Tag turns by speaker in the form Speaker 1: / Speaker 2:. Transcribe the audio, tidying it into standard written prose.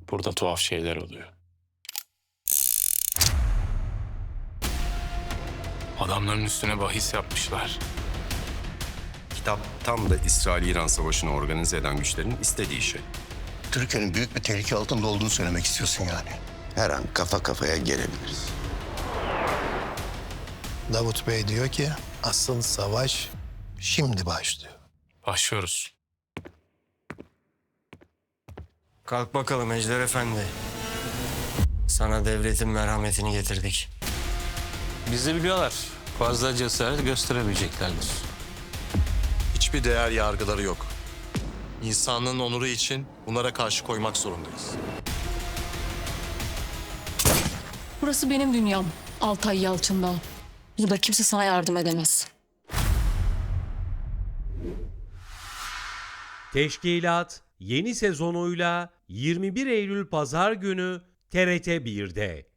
Speaker 1: Burada tuhaf şeyler oluyor. Adamların üstüne bahis yapmışlar.
Speaker 2: Kitap tam da İsrail-İran savaşını organize eden güçlerin istediği şey.
Speaker 3: Türkiye'nin büyük bir tehlike altında olduğunu söylemek istiyorsun yani.
Speaker 4: Her an kafa kafaya gelebiliriz.
Speaker 5: Davut Bey diyor ki asıl savaş şimdi başlıyor.
Speaker 1: Başlıyoruz.
Speaker 6: Kalk bakalım Ejder Efendi. Sana devletin merhametini getirdik.
Speaker 7: Bizi biliyorlar. Fazla cesaret gösteremeyeceklerdir.
Speaker 8: Hiçbir değer yargıları yok. İnsanlığın onuru için bunlara karşı koymak zorundayız.
Speaker 9: Burası benim dünyam. Altay Yalçın Dağ. Burada kimse sana yardım edemez.
Speaker 10: Teşkilat yeni sezonuyla 21 Eylül Pazar günü TRT 1'de.